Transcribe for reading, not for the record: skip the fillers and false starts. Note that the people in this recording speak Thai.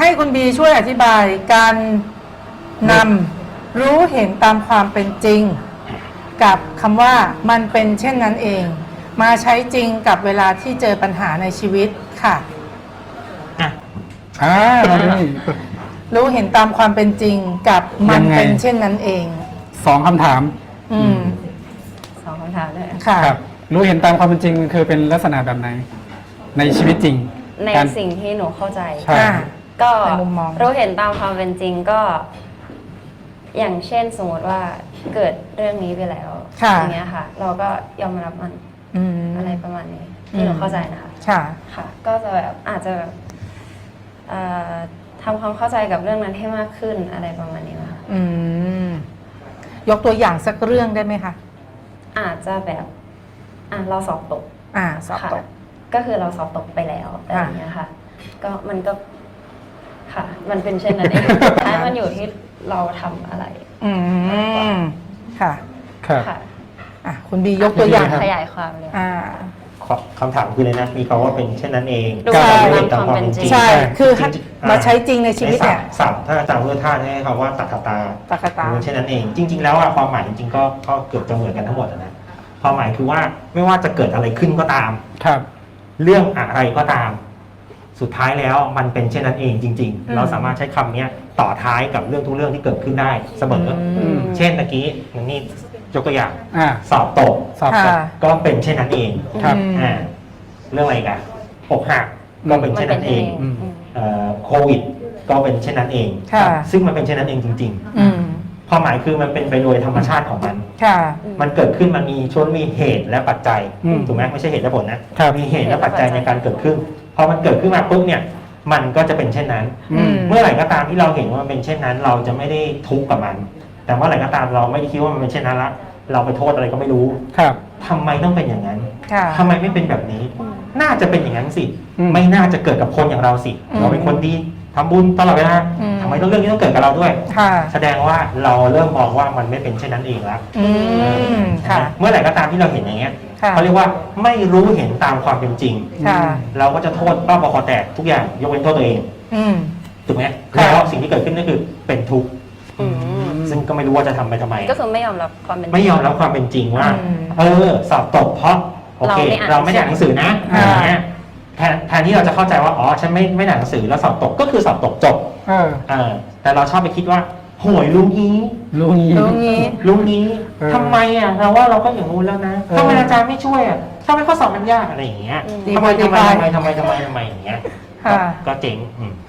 ให้คุณบีช่วยอธิบายการนำรู้เห็นตามความเป็นจริงกับคำว่ามันเป็นเช่นนั้นเอง มาใช้จริงกับเวลาที่เจอปัญหาในชีวิตค่ะมาดูนี่รู้เห็นตามความเป็นจริงกับมันเป็นเช่นนั้นเอง 2 คำถามสองคำถามเลยค่ะครับรู้เห็นตามความเป็นจริงมันคือเป็นลักษณะแบบไหนในชีวิตจริงในการสิ่งที่หนูเข้าใจใช่ก็ในมุมมองรู้เห็นตามความเป็นจริงก็ อย่างเช่นสมมติว่าเกิดเรื่องนี้ไปแล้วค่ะอย่างเงี้ยค่ะ เราก็ยอมรับมัน อะไรประมาณนี้ที่หนูเข้าใจนะคะค่ะค่ะ ก็จะแบบอาจจะแบบทำความเข้าใจกับเรื่องนั้นให้มากขึ้นอะไรประมาณนี้นะคะยกตัวอย่างสักเรื่องได้ไหมคะอาจจะแบบเราสอบตกสอบตกค่ะก็คือเราสอบตกไปแล้วอะไรอย่างเงี้ยค่ะ ก็มันก็ค่ะ มันเป็นเช่นนั้นเองสุดท้ายมันอยู่ที่เราทำอะไรค่ะครับค่ะคุณบียกตัวอย่างขยายความเลยคำถามคือเลยนะมีคำว่าเป็นเช่นนั้นเองดูก็ตามไม่เห็นตามความเป็นจริงใช่ คือจริงๆมาใช้จริงในชีวิตเนี่ยศัพท์ถ้าอาจารย์พุทธทาสให้คำว่าตักตาตักตาเป็นเช่นนั้นเอง จริง ๆ แล้วความหมายจริงๆก็เกือบจะเหมือนกันทั้งหมดนะความหมายคือว่าไม่ว่าจะเกิดอะไรขึ้นก็ตามครับเรื่องอะไรก็ตาม สุดท้ายแล้วมันเป็นเช่นนั้นเองจริง ๆ เราสามารถใช้คำนี้ต่อท้ายกับเรื่องทุกเรื่องที่เกิดขึ้นได้เสมอเช่นเมื่อกี้อย่างนี้ยกตัวอย่าง สอบตกสอบตกก็เป็นเช่นนั้นเองครับเรื่องอะไรกันอกหักก็เป็นเช่นนั้นเอง โควิดก็เป็นเช่นนั้นเองค่ะซึ่งมันเป็นเช่นนั้นเองจริงๆความหมายคือมันเป็นไปโดยธรรมชาติของมันค่ะมันเกิดขึ้นมันมีช่วงมีเหตุและปัจจัยถูกไหมไม่ใช่เหตุและผลนะครับ มีเหตุและปัจจัยในการเกิดขึ้นพอมันเกิดขึ้นมาปุ๊บเนี่ยมันก็จะเป็นเช่นนั้น เมื่อไหร่ก็ตามที่เราเห็นว่ามันเป็นเช่นนั้น เราจะไม่ได้ทุกข์กับมัน แต่เมื่อไหร่ก็ตามเราไม่ได้คิดว่ามันเป็นเช่นนั้นละเราไปโทษอะไรก็ไม่รู้ครับทำไมต้องเป็นอย่างนั้นค่ะทำไมไม่เป็นแบบนี้ น่าจะเป็นอย่างนั้นสิอืมไม่น่าจะเกิดกับคนอย่างเราสิ เราเป็นคนดีทำบุญตลอดเวลาทำไมต้องเรื่องนี้ต้องเกิดกับเราด้วยค่ะแสดงว่าเราเริ่มมองว่ามันไม่เป็นเช่นนั้นเองแล้วค่ะเมื่อไหร่ก็ตามที่เราเห็นอย่างเงี้ยค่ะเขาเรียกว่าไม่รู้เห็นตามความเป็นจริงค่ะเราก็จะโทษบ้าบอคอแตกทุกอย่างยกเว้นโทษตัวเองถูกไหมค่ะแล้วสิ่งที่เกิดขึ้นก็คือเป็นทุกข์ซึ่งก็ไม่รู้ว่าจะทำไปทำไมก็คือไม่ยอมรับความเป็นจริงไม่ยอมรับความเป็นจริงว่า สอบตกเพราะโอเคเราเราไม่ไม่อ่านได้อ่านหนังสือนะอย่างเงี้ยแทนที่เราจะเข้าใจว่าอ๋อฉันไม่ได้อ่านหนังสือแล้วสอบตกก็คือสอบตกจบแต่เราชอบไปคิดว่าโหยลุงนี้รู้งี้รู้งี้ลุงนี้เออทำไมเราว่าเราก็อย่างงู้นแล้วนะทำไมอาจารย์ไม่ช่วยทำไมข้อสอบมันยากอะไรอย่างเงี้ยทำไมอย่างเงี้ยค่ะก็เจ๋ง